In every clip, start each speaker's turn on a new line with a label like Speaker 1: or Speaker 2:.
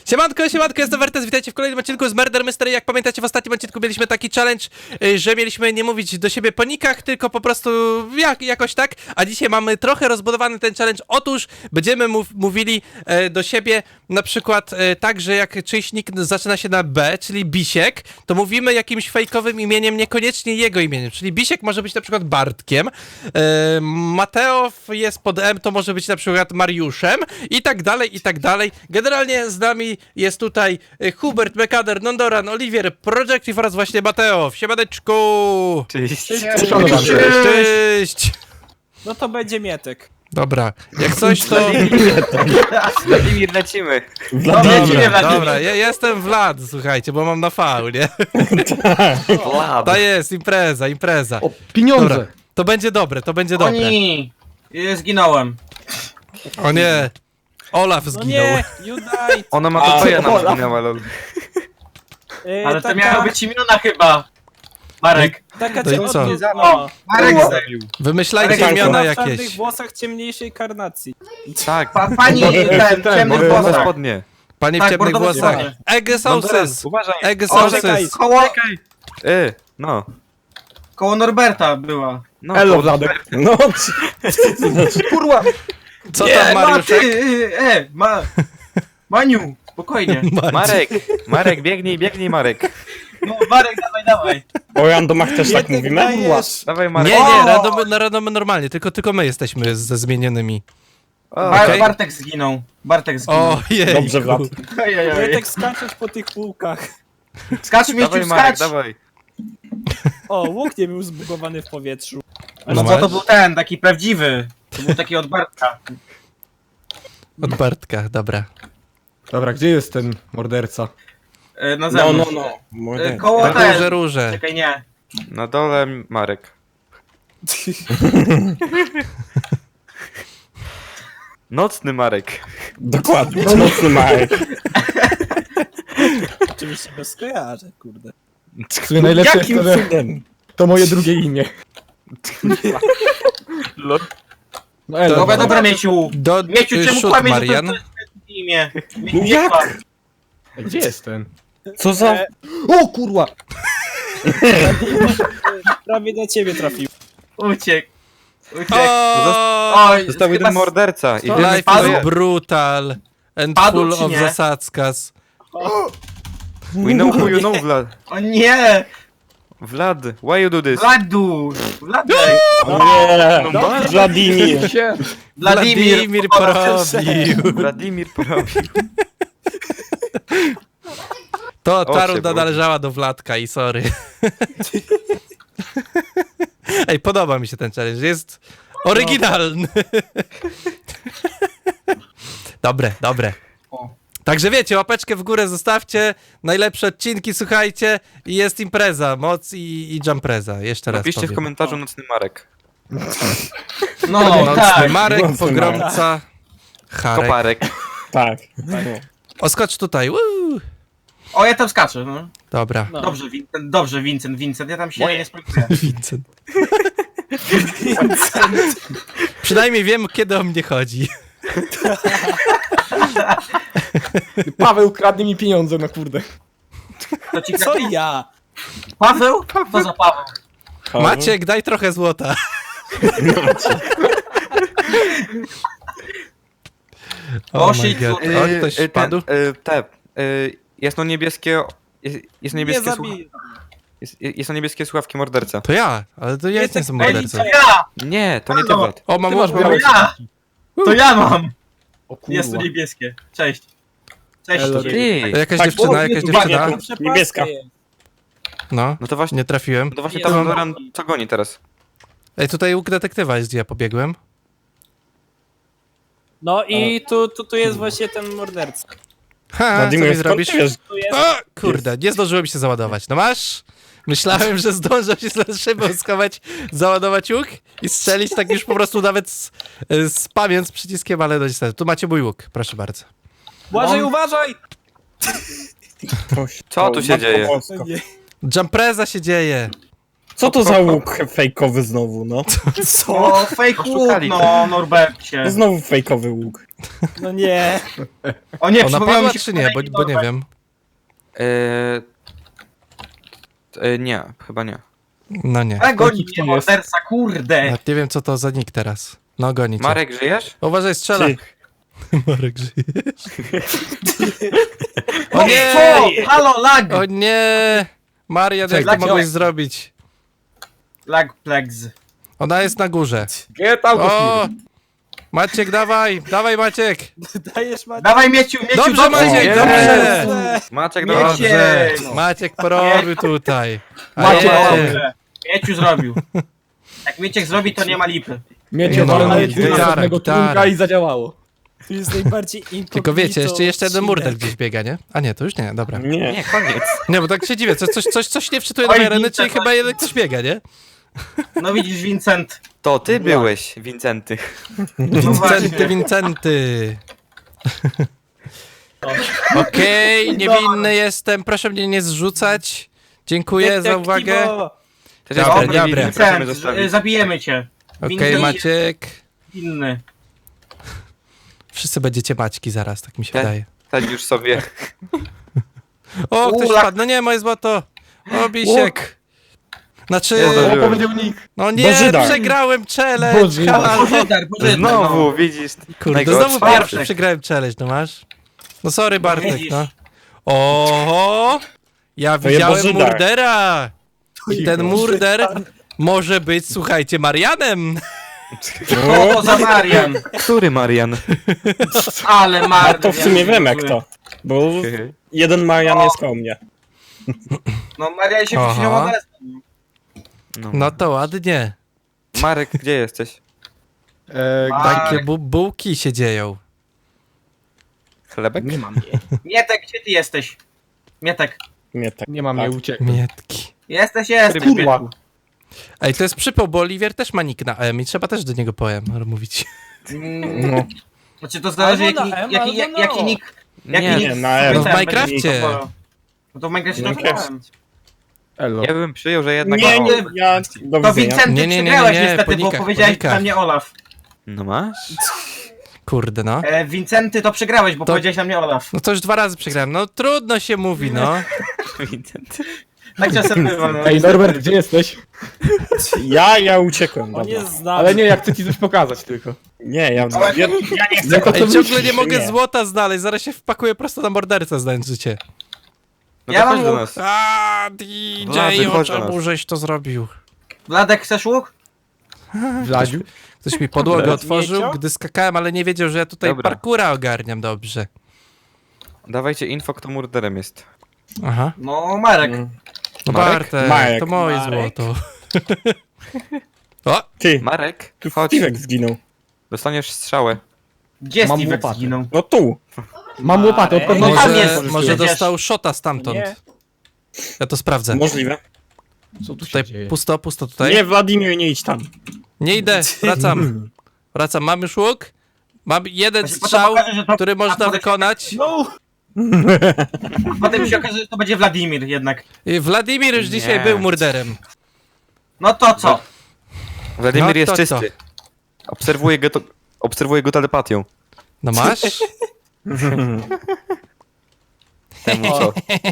Speaker 1: Siemanko, siemanko, jestem Wertes, witajcie w kolejnym odcinku z Murder Mystery. Jak pamiętacie, w ostatnim odcinku mieliśmy taki challenge, że mieliśmy nie mówić do siebie po nickach, tylko po prostu jakoś tak, a dzisiaj mamy trochę rozbudowany ten challenge. Otóż będziemy mówili do siebie na przykład tak, że jak czyjś nick zaczyna się na B, czyli Bisiek, to mówimy jakimś fejkowym imieniem, niekoniecznie jego imieniem, czyli Bisiek może być na przykład Bartkiem, Mateo jest pod M, to może być na przykład Mariuszem i tak dalej, i tak dalej. Generalnie z nami jest tutaj Hubert, Mekader, Nondoran, Oliwier, Projective oraz właśnie Mateo. Siemaneczku!
Speaker 2: Cześć.
Speaker 1: Cześć!
Speaker 3: No to będzie Mietek.
Speaker 1: Dobra, jak coś to...
Speaker 2: Wladimir, lecimy.
Speaker 1: Dobra, ja jestem Vlad, słuchajcie, bo mam na V, nie?
Speaker 2: Vlad.
Speaker 1: To jest impreza.
Speaker 4: O, pieniądze!
Speaker 1: Dobra, to będzie dobre, to będzie dobre.
Speaker 5: Oni! Zginąłem.
Speaker 1: O nie, Olaf
Speaker 3: No
Speaker 1: zginął.
Speaker 3: nie, Judaj.
Speaker 2: Ona ma to ja nam zginęła, lol.
Speaker 5: Ale to miały być imiona chyba. Marek.
Speaker 3: Taka
Speaker 1: To i co?
Speaker 3: No.
Speaker 5: Marek zabił.
Speaker 1: Wymyślajcie
Speaker 5: Marek,
Speaker 1: imiona
Speaker 3: W czarnych
Speaker 1: jakieś.
Speaker 3: włosach ciemniejszej karnacji.
Speaker 2: Tak.
Speaker 5: Pani ten, ciemny
Speaker 2: Bordowe
Speaker 5: włosach.
Speaker 2: spodnie.
Speaker 1: Pani w
Speaker 5: Tak,
Speaker 1: ciemnych
Speaker 5: bordowe
Speaker 1: włosach.
Speaker 5: spodnie.
Speaker 1: Egg sauces!
Speaker 2: Uważaj.
Speaker 1: Egg
Speaker 3: czekaj.
Speaker 1: sauces!
Speaker 2: No.
Speaker 5: Koło Norberta była.
Speaker 2: No.
Speaker 4: Elo, Wladek. No, kurwa!
Speaker 1: Co tam, Mariuszek?
Speaker 5: Maniu, spokojnie.
Speaker 2: Marek, biegnij, Marek.
Speaker 5: No Marek, dawaj.
Speaker 4: O randomach też tak
Speaker 3: Mietek
Speaker 4: mówimy?
Speaker 3: dajesz.
Speaker 2: Dawaj, Marek.
Speaker 1: Nie,
Speaker 5: O!
Speaker 1: na randomy normalnie, tylko my jesteśmy ze zmienionymi.
Speaker 2: O,
Speaker 1: Okej.
Speaker 5: Bartek zginął.
Speaker 1: O, jej.
Speaker 4: Dobrze, Vlad.
Speaker 3: Mietek skaczesz po tych półkach.
Speaker 5: Skacz mi
Speaker 2: Dawaj,
Speaker 5: skacz.
Speaker 2: Marek, dawaj.
Speaker 3: O, łuk nie był zbugowany w powietrzu.
Speaker 5: No bo to był ten, taki prawdziwy. To był taki od Bartka.
Speaker 1: Od Bartka, dobra.
Speaker 4: Dobra, gdzie jest ten morderca?
Speaker 5: Na zewnątrz. Koło
Speaker 1: Na
Speaker 5: ten.
Speaker 1: róże.
Speaker 5: Czekaj, nie.
Speaker 2: Na dole Marek. Nocny Marek.
Speaker 4: Dokładnie, mocny Marek.
Speaker 3: Oczywiście bez skojarzeń, kurde.
Speaker 4: W sumie najlepsze jest
Speaker 3: Jakim
Speaker 4: to, że
Speaker 3: cudem?
Speaker 4: to moje drugie imię.
Speaker 2: Lol.
Speaker 4: No Elo.
Speaker 5: Dobra, Mieciu. Mieciu, czemu
Speaker 1: Shoot,
Speaker 5: kłamiesz,
Speaker 1: Marian.
Speaker 5: że to jest imię? Mieciu,
Speaker 4: Jak?
Speaker 5: nie kłam.
Speaker 4: Gdzie jest ten?
Speaker 3: Co za...
Speaker 4: O kurwa!
Speaker 3: Prawie do ciebie trafił.
Speaker 5: Uciekł.
Speaker 1: O,
Speaker 5: Oj,
Speaker 2: Został jeden
Speaker 5: chyba
Speaker 2: morderca. I wiemy,
Speaker 1: life
Speaker 2: kto
Speaker 1: is
Speaker 2: jest.
Speaker 1: brutal and
Speaker 5: Padł,
Speaker 1: full
Speaker 5: czy
Speaker 1: of
Speaker 5: nie?
Speaker 1: zasadzkas.
Speaker 2: We know who you know, Vlad.
Speaker 5: O nie!
Speaker 2: Vlad, why you do this?
Speaker 5: Vladu! Wladek!
Speaker 4: Nie! Wladimir!
Speaker 1: Wladimir porobił.
Speaker 2: Wladimir porobił.
Speaker 1: To
Speaker 2: O,
Speaker 1: ta
Speaker 2: się
Speaker 1: runda
Speaker 2: było.
Speaker 1: należała do Wladka i sorry. Ej, podoba mi się ten challenge, jest oryginalny. Dobre.
Speaker 5: O.
Speaker 1: Także wiecie, łapeczkę w górę zostawcie, najlepsze odcinki słuchajcie i jest impreza, moc i jumpreza, jeszcze raz
Speaker 2: Napiszcie w
Speaker 1: powiem.
Speaker 2: komentarzu nocny Marek.
Speaker 5: No,
Speaker 1: Nocny
Speaker 5: tak.
Speaker 1: Marek,
Speaker 4: Nocny
Speaker 1: pogromca, Harek.
Speaker 2: Koparek.
Speaker 4: Tak.
Speaker 1: Oskocz tutaj, woo!
Speaker 5: O, ja tam skaczę, no.
Speaker 1: Dobra.
Speaker 3: No.
Speaker 5: Dobrze, Vincent, ja tam się nie spróbuję.
Speaker 1: Vincent. Przynajmniej wiem, kiedy o mnie chodzi.
Speaker 4: Paweł, kradnie mi pieniądze, no kurde.
Speaker 5: To ci
Speaker 3: Co ja?
Speaker 5: Paweł? To za Paweł.
Speaker 1: Maciek, daj trochę złota.
Speaker 5: O,
Speaker 1: my
Speaker 5: shit,
Speaker 1: God. O, ktoś padł?
Speaker 2: Jasno-niebieskie...
Speaker 3: Nie zabij.
Speaker 2: Jasno-niebieskie słuchawki morderca.
Speaker 1: To ja, ale to ja
Speaker 3: Jest
Speaker 1: jestem
Speaker 3: tak
Speaker 1: mordercą.
Speaker 3: fajnie.
Speaker 5: Ja!
Speaker 2: Nie, to nie ty,
Speaker 5: Halo.
Speaker 2: Vlad.
Speaker 1: O, mam
Speaker 4: Ty masz
Speaker 5: To
Speaker 4: białe
Speaker 5: ja! To ja mam!
Speaker 4: O
Speaker 5: Jest tu
Speaker 4: kurwa.
Speaker 5: niebieskie. Cześć. Cześć.
Speaker 4: Elo,
Speaker 2: Ty.
Speaker 1: Jakaś
Speaker 4: Tak,
Speaker 1: dziewczyna, jakaś dziewczyna.
Speaker 3: No, przepaska
Speaker 4: Niebieska.
Speaker 3: jest.
Speaker 1: No,
Speaker 2: No to właśnie,
Speaker 1: nie trafiłem.
Speaker 2: to właśnie
Speaker 3: Jest.
Speaker 2: tam Doran co goni teraz.
Speaker 1: Ej, tutaj łuk detektywa jest, gdzie ja pobiegłem.
Speaker 3: No i tu jest właśnie ten morderca.
Speaker 1: Ha, co
Speaker 4: Wladimir,
Speaker 1: mi
Speaker 4: skąd
Speaker 1: zrobisz?
Speaker 4: ty wiesz?
Speaker 3: Tu jest...
Speaker 1: O, kurde, nie zdążyło mi się załadować. No masz? Myślałem, że zdążę się za szybą schować, załadować łuk i strzelić tak już po prostu nawet spamiąc przyciskiem, ale no niestety. Tu macie mój łuk, proszę bardzo.
Speaker 3: Uważaj!
Speaker 2: Co tu się dzieje?
Speaker 3: Nie.
Speaker 1: Jumpreza się dzieje.
Speaker 6: Co to za łuk fejkowy znowu, no?
Speaker 5: O, fake łuk,
Speaker 2: Oszukali
Speaker 5: no, Norbercie.
Speaker 6: To znowu fejkowy łuk.
Speaker 3: No nie.
Speaker 5: O nie,
Speaker 1: Ona
Speaker 5: przypomniał
Speaker 1: padła
Speaker 5: mi się
Speaker 1: czy nie? Bo nie wiem.
Speaker 2: Nie, chyba nie.
Speaker 1: No nie.
Speaker 5: Ale goni
Speaker 4: Kto
Speaker 5: mnie
Speaker 4: jest?
Speaker 5: morderca, kurde.
Speaker 1: Nawet nie wiem co to za nick teraz. No goni cię.
Speaker 2: Marek, żyjesz?
Speaker 1: Uważaj, strzela.
Speaker 6: Ty.
Speaker 1: Marek, żyjesz? O nie!
Speaker 5: O, halo, lag!
Speaker 1: O nie! Marian, jak to
Speaker 5: Czekaj,
Speaker 1: mogłeś
Speaker 5: czekaj.
Speaker 1: zrobić?
Speaker 5: Lag plex.
Speaker 1: Ona jest na górze.
Speaker 4: Get out of
Speaker 1: O!
Speaker 4: here.
Speaker 1: Maciek, dawaj! Dawaj, Maciek!
Speaker 3: Dajesz Maciek.
Speaker 5: Dawaj, Mieciu,
Speaker 1: Dobrze, Maciek,
Speaker 2: jest.
Speaker 1: dobrze!
Speaker 2: Maciek,
Speaker 5: Miecie.
Speaker 2: dobra.
Speaker 1: Dobrze!
Speaker 5: No.
Speaker 1: Maciek porobił tutaj. A
Speaker 4: Maciek,
Speaker 1: nie.
Speaker 5: Dobrze. Mieciu zrobił. Jak Mieciek zrobi, to nie ma lipy.
Speaker 4: Miecie
Speaker 1: No,
Speaker 4: walną
Speaker 1: ale
Speaker 4: gitara,
Speaker 1: gitara,
Speaker 4: żadnego
Speaker 1: gitara.
Speaker 4: trunka i zadziałało.
Speaker 3: Tu jest najbardziej inkognito.
Speaker 1: Tylko wiecie, jeszcze jeden
Speaker 3: odcinek.
Speaker 1: murder gdzieś biega, nie? A nie, to już nie, dobra.
Speaker 6: Nie.
Speaker 2: Nie, koniec.
Speaker 1: Nie, bo tak się dziwię, coś nie wczytuje do
Speaker 5: Oj,
Speaker 1: mojej areny,
Speaker 5: Vincent,
Speaker 1: czyli chyba
Speaker 5: oj.
Speaker 1: jeden ktoś biega, nie?
Speaker 5: No widzisz, Vincent.
Speaker 2: To ty byłeś, Wincenty.
Speaker 1: Wincenty, Wincenty. Okej, niewinny jestem, proszę mnie nie zrzucać. Dziękuję za uwagę.
Speaker 3: Detektivo.
Speaker 2: Też
Speaker 1: Dobra,
Speaker 2: jest
Speaker 1: dobra.
Speaker 2: niewinny, prosimy
Speaker 5: Vincent,
Speaker 2: zostawić.
Speaker 5: zabijemy cię.
Speaker 1: Okej,
Speaker 5: Winny
Speaker 1: Maciek.
Speaker 5: Inny.
Speaker 1: Wszyscy będziecie Maćki zaraz, tak mi się
Speaker 2: Tak.
Speaker 1: wydaje.
Speaker 2: Sadź już sobie.
Speaker 1: O, ktoś
Speaker 5: Ula.
Speaker 1: wpadł, no nie, moje złoto. O, Bisiek. Znaczy,
Speaker 2: Zdążyłem.
Speaker 4: O, powiedział nick.
Speaker 1: no nie,
Speaker 6: Bożydar.
Speaker 1: przegrałem challenge.
Speaker 4: Bożydar.
Speaker 1: halo.
Speaker 5: Pożydar,
Speaker 2: Znowu, widzisz.
Speaker 1: Kurde,
Speaker 2: Najgorszy.
Speaker 1: znowu
Speaker 5: Bartek.
Speaker 1: pierwszy przegrałem challenge, no masz? No sorry Bartek,
Speaker 5: Widzisz.
Speaker 1: no. Oho! Ja
Speaker 6: To
Speaker 1: widziałem
Speaker 6: jest Bożydar.
Speaker 1: murdera! I ten murder może być, słuchajcie, Marianem!
Speaker 5: O, to za Marian.
Speaker 2: Który Marian?
Speaker 5: Ale
Speaker 6: A
Speaker 5: Marian.
Speaker 6: to w sumie wiem jak to. Bo jeden Marian jest koło mnie.
Speaker 5: No Marian się
Speaker 1: Aha.
Speaker 5: przyczynił morderstwo.
Speaker 1: No to ładnie.
Speaker 2: Marek, gdzie jesteś?
Speaker 1: Takie bułki się dzieją.
Speaker 2: Chlebek?
Speaker 4: Nie mam jej.
Speaker 5: Mietek, gdzie ty jesteś? Mietek.
Speaker 6: Nie tak.
Speaker 4: Nie mam jej, uciekł.
Speaker 1: Mietki.
Speaker 5: Jesteś,
Speaker 4: Kurwa.
Speaker 5: Mietku.
Speaker 1: Ej, to jest przypał, bo Oliwier też ma nick na M i trzeba też do niego mówić.
Speaker 6: No.
Speaker 5: Znaczy to zależy
Speaker 3: Albo
Speaker 5: jaki,
Speaker 3: na M,
Speaker 5: jaki,
Speaker 3: albo
Speaker 5: jaki
Speaker 3: na O.
Speaker 5: nick. Jaki
Speaker 2: Nie,
Speaker 5: nick
Speaker 6: na M.
Speaker 1: No w
Speaker 5: ten
Speaker 1: Minecrafcie.
Speaker 5: będzie, No to w Minecrafcie to
Speaker 6: Minecraft.
Speaker 5: grałem.
Speaker 2: No.
Speaker 4: Elo.
Speaker 2: Ja bym przyjął, że jednak...
Speaker 6: Nie,
Speaker 2: ma-
Speaker 6: nie, ja do
Speaker 5: To
Speaker 6: widzenia.
Speaker 5: Vincenty
Speaker 1: Nie, nie, nie, nie,
Speaker 5: przegrałeś
Speaker 1: nie,
Speaker 5: niestety,
Speaker 1: po
Speaker 5: bo
Speaker 1: nikach,
Speaker 5: powiedziałeś
Speaker 1: po nikach.
Speaker 5: na mnie Olaf.
Speaker 2: No masz?
Speaker 1: Kurde, no.
Speaker 5: Vincenty to przegrałeś, bo
Speaker 1: To-
Speaker 5: powiedziałeś na mnie Olaf.
Speaker 1: No to już 2 razy przegrałem. No trudno się mówi, no.
Speaker 2: Wincenty.
Speaker 5: Tak czasem bywa, no.
Speaker 4: Ej, Norbert, gdzie jesteś?
Speaker 6: Ja uciekłem,
Speaker 3: On
Speaker 6: dobra.
Speaker 3: jest z nami.
Speaker 4: Ale nie, ja chcę ci coś pokazać tylko.
Speaker 6: Nie, ja nie chcę.
Speaker 4: Jako
Speaker 1: Ej,
Speaker 4: co
Speaker 1: ciągle nie
Speaker 4: myślisz?
Speaker 1: mogę
Speaker 6: Nie.
Speaker 1: złota znaleźć, zaraz się wpakuję prosto na mordercę, znając życie.
Speaker 2: No
Speaker 5: Ja
Speaker 2: to
Speaker 5: mam
Speaker 2: chodź do
Speaker 5: łuk.
Speaker 2: nas.
Speaker 1: A,
Speaker 2: Wlady,
Speaker 1: DJ, o
Speaker 2: chodź do
Speaker 1: czemu
Speaker 2: nas.
Speaker 1: żeś to zrobił?
Speaker 5: Wladek, chcesz łuk?
Speaker 4: Vladziu?
Speaker 1: Ktoś mi podłogę
Speaker 6: Dobra.
Speaker 1: otworzył,
Speaker 3: Miecio?
Speaker 1: gdy skakałem, ale nie wiedział, że ja tutaj
Speaker 2: Dobra.
Speaker 1: parkura ogarniam dobrze.
Speaker 2: Dawajcie info, kto murderem jest.
Speaker 1: Aha.
Speaker 5: No, Marek.
Speaker 1: No
Speaker 2: Marek?
Speaker 1: Bartek,
Speaker 6: Marek.
Speaker 1: to moje
Speaker 3: Marek?
Speaker 1: złoto. O,
Speaker 6: Ty,
Speaker 2: Marek,
Speaker 6: tu
Speaker 2: chodź.
Speaker 6: Steve'ek zginął.
Speaker 2: Dostaniesz strzałę.
Speaker 5: Gdzie
Speaker 4: Mam
Speaker 5: Steve'ek
Speaker 4: łopatę.
Speaker 5: zginął?
Speaker 6: No tu.
Speaker 4: Mam łopatę, od
Speaker 5: Ej,
Speaker 4: pewności.
Speaker 5: tam
Speaker 1: może,
Speaker 5: jest,
Speaker 1: może
Speaker 5: przecież.
Speaker 1: dostał shota stamtąd.
Speaker 3: Nie.
Speaker 1: Ja to sprawdzę.
Speaker 6: Możliwe.
Speaker 4: Co tu się
Speaker 1: Tutaj
Speaker 4: dzieje?
Speaker 1: pusto tutaj.
Speaker 6: Nie, Wladimir, nie idź tam.
Speaker 1: Nie idę, wracam. Wracam, mam już łuk. Mam jeden
Speaker 5: Właśnie potem
Speaker 1: strzał,
Speaker 5: okaże, że to-
Speaker 1: który można
Speaker 5: potem-
Speaker 1: wykonać.
Speaker 3: No!
Speaker 5: Potem się okaże, że to będzie Wladimir jednak.
Speaker 1: I Wladimir już
Speaker 2: Nie.
Speaker 1: dzisiaj był murderem.
Speaker 5: No to co?
Speaker 2: Wladimir
Speaker 1: No
Speaker 2: jest
Speaker 1: to
Speaker 2: czysty. Obserwuję go telepatią.
Speaker 1: No masz?
Speaker 2: Temu co?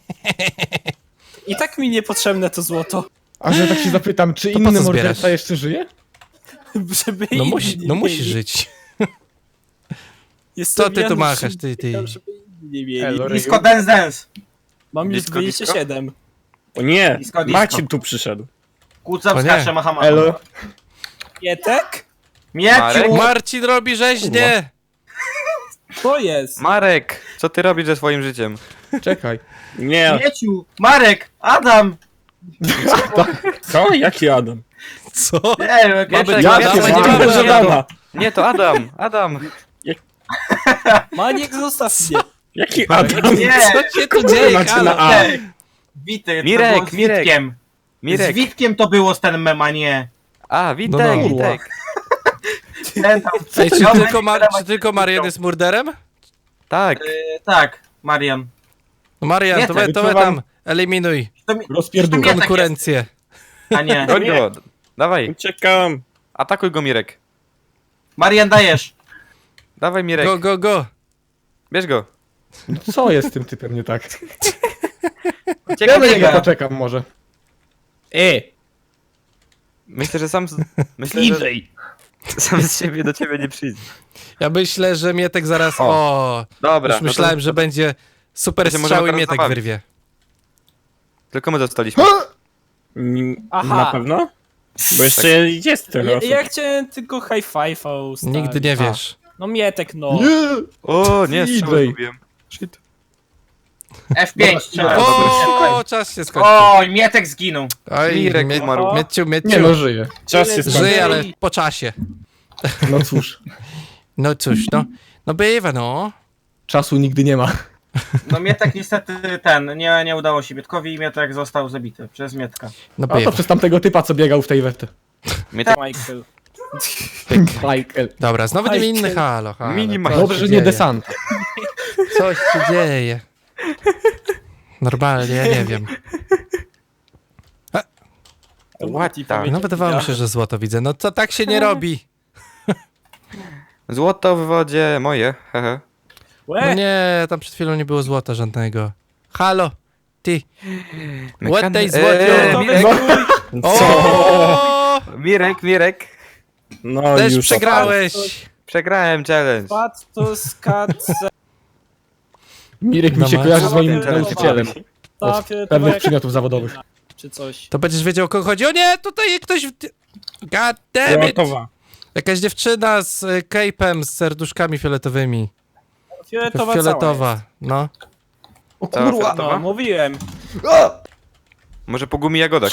Speaker 3: I tak mi niepotrzebne to złoto.
Speaker 4: A że tak się zapytam, czy
Speaker 1: To po
Speaker 4: inny
Speaker 1: co
Speaker 4: morderca
Speaker 1: zbierasz?
Speaker 4: jeszcze żyje?
Speaker 3: Żeby
Speaker 1: No
Speaker 3: inni
Speaker 1: musi,
Speaker 3: nie
Speaker 1: no musi
Speaker 3: mieli.
Speaker 1: żyć.
Speaker 3: Jestem
Speaker 1: Co ty tu
Speaker 3: Janusz
Speaker 1: machasz, ty?
Speaker 3: Szybkiel, żeby inni nie mieli.
Speaker 4: Elo,
Speaker 5: Disco Dance Dance.
Speaker 3: Mam już
Speaker 2: Disco,
Speaker 3: 27.
Speaker 6: O nie,
Speaker 5: Disco, disco.
Speaker 6: Marcin tu przyszedł.
Speaker 5: Kłóca
Speaker 1: O nie.
Speaker 5: wskacze, macha.
Speaker 4: Elo.
Speaker 3: Mietek?
Speaker 2: Marek?
Speaker 5: Mieciu!
Speaker 1: Marcin robi rzeźnie!
Speaker 3: To jest.
Speaker 2: Marek, co ty robisz ze swoim życiem?
Speaker 4: Czekaj.
Speaker 6: Nie,
Speaker 5: Mieciu! Marek! Adam!
Speaker 6: co? Jaki Adam?
Speaker 1: Co?
Speaker 5: Nie,
Speaker 1: Mamy
Speaker 6: Ja
Speaker 1: Adama,
Speaker 6: nie
Speaker 1: nie
Speaker 6: mamy
Speaker 1: mamy
Speaker 6: Adama.
Speaker 2: Nie, to Adam, Adam.
Speaker 3: Maniek, zostaw mnie.
Speaker 6: Jaki Adam?
Speaker 5: Nie!
Speaker 1: Co się tu dzieje,
Speaker 6: Znaczy na
Speaker 1: halo?
Speaker 6: A.
Speaker 5: Wity,
Speaker 2: Mirek,
Speaker 5: to było z
Speaker 2: Mirek.
Speaker 5: Witkiem. Z
Speaker 2: Mirek.
Speaker 5: Witkiem to było z ten mem, a nie.
Speaker 2: A, Witek,
Speaker 1: No, no.
Speaker 2: Witek.
Speaker 5: Ten tam...
Speaker 1: Ej, czy
Speaker 5: No,
Speaker 1: tylko,
Speaker 5: Marian-
Speaker 1: czy tylko Marian jest murderem?
Speaker 2: Tak.
Speaker 5: Tak, Marian.
Speaker 1: No Marian,
Speaker 5: Nie,
Speaker 1: to
Speaker 5: tak,
Speaker 1: we
Speaker 4: wyczuwam-
Speaker 1: tam eliminuj
Speaker 5: To mi...
Speaker 4: Rozpierdół.
Speaker 5: Nie, tak
Speaker 1: konkurencję.
Speaker 5: A nie.
Speaker 2: Goń go. Dawaj,
Speaker 6: Uciekam.
Speaker 2: atakuj go, Mirek.
Speaker 5: Marian, dajesz.
Speaker 2: Dawaj, Mirek.
Speaker 1: Go, go, go.
Speaker 2: Bierz go.
Speaker 4: Co jest z tym typem nie tak? Ja
Speaker 5: Uciekaj,
Speaker 4: na niego
Speaker 5: biega.
Speaker 4: poczekam może.
Speaker 2: Myślę, że Myślę, że sam z siebie do ciebie nie przyjdzie.
Speaker 1: Ja myślę, że Mietek zaraz... O,
Speaker 2: Dobra.
Speaker 1: już myślałem, że będzie super
Speaker 2: to się
Speaker 1: strzał i
Speaker 2: możemy teraz
Speaker 1: Mietek
Speaker 2: zabawić.
Speaker 1: wyrwie.
Speaker 2: Tylko my zostaliśmy.
Speaker 3: Aha.
Speaker 6: Na pewno? Bo jeszcze jest trochę osób.
Speaker 3: Ja chciałem tylko high five'a ustawić.
Speaker 1: Nigdy nie wiesz.
Speaker 3: No Mietek, no.
Speaker 4: Nie!
Speaker 2: O, nie,
Speaker 4: CJ.
Speaker 2: strzał zgubiłem. Shit.
Speaker 5: F5 strzelaj.
Speaker 1: O, czas się skończył.
Speaker 5: Oj, Mietek zginął.
Speaker 1: Oj,
Speaker 2: Mirek umarł.
Speaker 1: Mieciu,
Speaker 4: Nie
Speaker 1: Mieciu.
Speaker 4: no, żyje.
Speaker 6: Czas się skończył.
Speaker 1: Żyje, ale po czasie.
Speaker 4: No cóż,
Speaker 1: No cóż, no. No bywa, no.
Speaker 4: czasu nigdy nie ma.
Speaker 5: No Mietek niestety nie udało się Mietkowi i Mietek został zabity przez Mietka.
Speaker 1: No
Speaker 4: A to
Speaker 1: bywa.
Speaker 4: przez tamtego typa, co biegał w tej wetę.
Speaker 3: Michael.
Speaker 4: Michael.
Speaker 1: Dobra, znowu nie
Speaker 3: Aj,
Speaker 1: inny
Speaker 3: ty.
Speaker 1: halo. halo.
Speaker 2: Mini
Speaker 1: Co
Speaker 4: Dobrze,
Speaker 1: się
Speaker 4: że nie
Speaker 1: dzieje?
Speaker 4: desant.
Speaker 1: Coś się dzieje. Normalnie, ja nie wiem.
Speaker 2: What the-
Speaker 1: No wydawało mi się, że złoto widzę. No to tak się nie robi.
Speaker 2: Złoto w wodzie moje. Hehe.
Speaker 1: No nie, tam przed chwilą nie było złota żadnego. Halo, ty. What tej złoto?
Speaker 2: Mirek,
Speaker 1: O!
Speaker 2: Mirek.
Speaker 6: No
Speaker 1: Też
Speaker 6: już.
Speaker 1: przegrałeś.
Speaker 2: Przegrałem challenge.
Speaker 3: Pato skacze.
Speaker 4: Mirek mi
Speaker 1: No
Speaker 4: się
Speaker 1: ma-
Speaker 4: kojarzy z moim
Speaker 3: Dobra.
Speaker 4: nauczycielem. Od pewnych przedmiotów zawodowych.
Speaker 3: Czy coś.
Speaker 1: To będziesz wiedział, o kogo chodzi. O nie, tutaj ktoś... God damn it.
Speaker 6: Gotowa.
Speaker 1: Jakaś dziewczyna z cape'em, z serduszkami fioletowymi.
Speaker 3: Fioletowa.
Speaker 1: Fioletowa, no.
Speaker 4: O
Speaker 2: Cała
Speaker 4: kurwa!
Speaker 2: fioletowa?
Speaker 3: No, mówiłem.
Speaker 2: Może po gumi jagodach.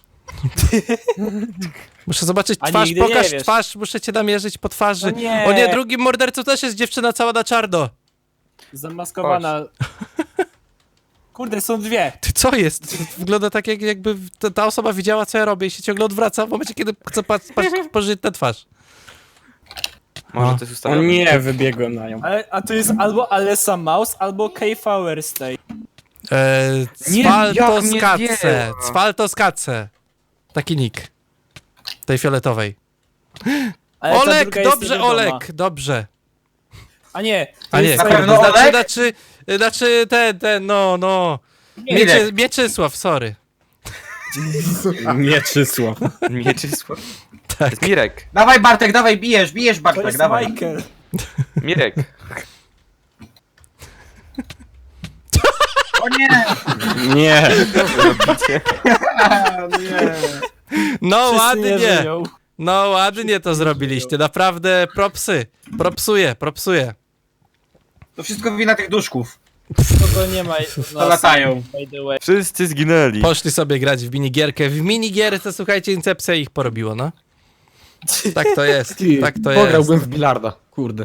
Speaker 1: Muszę zobaczyć
Speaker 3: A
Speaker 1: twarz,
Speaker 3: nigdy nie
Speaker 1: pokaż
Speaker 3: wiesz.
Speaker 1: twarz, muszę cię namierzyć po twarzy.
Speaker 3: No nie.
Speaker 1: O nie, drugim mordercą też jest dziewczyna cała na czarno.
Speaker 3: Zamaskowana. Kurde, są dwie.
Speaker 1: Ty, co jest? Wygląda tak, jakby ta osoba widziała, co ja robię i się ciągle odwraca w momencie, kiedy chcę spojrzeć na twarz.
Speaker 2: Może
Speaker 1: No.
Speaker 2: to jest
Speaker 6: O
Speaker 2: ustawione.
Speaker 6: nie, wybiegłem na nią.
Speaker 3: A to jest albo Alessa Mouse, albo Kay Flowerstay.
Speaker 2: Nie, jak mnie
Speaker 1: Cwaltoskatce.
Speaker 2: zdjęła.
Speaker 1: Cwaltoskatce. Taki nick. Tej fioletowej.
Speaker 3: Ale ta
Speaker 1: Olek,
Speaker 3: druga jest
Speaker 1: dobrze,
Speaker 3: niewiadoma.
Speaker 1: Olek, dobrze.
Speaker 3: A nie. to
Speaker 1: A nie,
Speaker 3: jest
Speaker 5: Na
Speaker 1: kurde,
Speaker 5: pewno Olek?
Speaker 1: znaczy ten, no.
Speaker 5: Mirek.
Speaker 1: Mieczysław, sorry.
Speaker 6: Mieczysław.
Speaker 2: Mieczysław. To
Speaker 1: Tak.
Speaker 2: jest Mirek.
Speaker 5: Dawaj Bartek, dawaj, bijesz
Speaker 3: To
Speaker 5: Bartek,
Speaker 3: jest
Speaker 5: dawaj.
Speaker 3: Michael.
Speaker 2: Mirek.
Speaker 5: O nie!
Speaker 6: Nie.
Speaker 1: No
Speaker 3: Wszyscy nie
Speaker 1: ładnie.
Speaker 3: żyją.
Speaker 1: No ładnie to zrobiliście, naprawdę propsy. Propsuję.
Speaker 5: To wszystko wina tych duszków.
Speaker 3: Kogo nie ma.
Speaker 5: To latają.
Speaker 3: By the way.
Speaker 2: Wszyscy zginęli.
Speaker 1: Poszli sobie grać w minigierkę. W minigierce, słuchajcie, Incepcja ich porobiło, no. Tak to jest,
Speaker 4: Ty,
Speaker 1: tak to jest.
Speaker 4: pograłbym w bilarda. Kurde.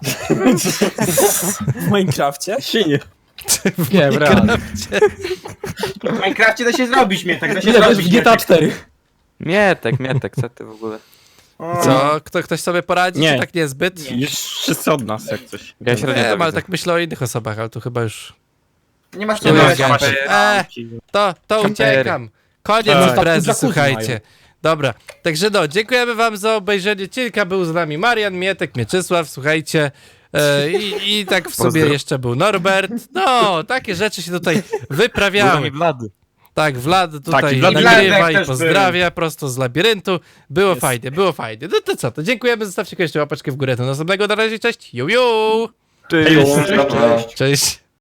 Speaker 3: W Minecrafcie?
Speaker 6: Sinie.
Speaker 4: Nie, w realu.
Speaker 5: W Minecrafcie da się zrobić Mietek, da się
Speaker 4: Ile wiesz
Speaker 5: zrobić
Speaker 4: w GTA
Speaker 5: Mietek.
Speaker 4: 4?
Speaker 2: Mietek, co ty w ogóle?
Speaker 1: Co? Ktoś sobie poradzi,
Speaker 6: Nie.
Speaker 1: czy tak niezbyt?
Speaker 6: Już wszyscy od nas jak coś.
Speaker 2: Ja średnio
Speaker 1: Nie,
Speaker 2: to
Speaker 1: ale
Speaker 2: widzę.
Speaker 1: tak myślę o innych osobach, ale tu chyba już...
Speaker 5: Nie masz
Speaker 1: Nie
Speaker 5: co
Speaker 1: ma
Speaker 5: robić.
Speaker 1: gańczy. To
Speaker 2: Kampery.
Speaker 1: uciekam. Koniec
Speaker 6: Tak.
Speaker 1: imprezy,
Speaker 4: Jacuzzi
Speaker 1: słuchajcie.
Speaker 4: mają.
Speaker 1: Dobra, także no, dziękujemy wam za obejrzenie odcinka. Był z nami Marian, Mietek, Mieczysław, słuchajcie. I tak w sobie
Speaker 2: Pozdro.
Speaker 1: jeszcze był Norbert. No, takie rzeczy się tutaj wyprawiały.
Speaker 2: Blady.
Speaker 1: Tak, Vlad tutaj
Speaker 6: Tak, i Vlad
Speaker 1: nagrywa
Speaker 5: też
Speaker 1: i
Speaker 5: był.
Speaker 1: pozdrawia prosto z labiryntu. Było fajnie, było fajnie. No to co, to dziękujemy, zostawcie koniecznie łapeczkę w górę. Do następnego, na razie, cześć. Ju.
Speaker 2: Cześć.
Speaker 1: Cześć.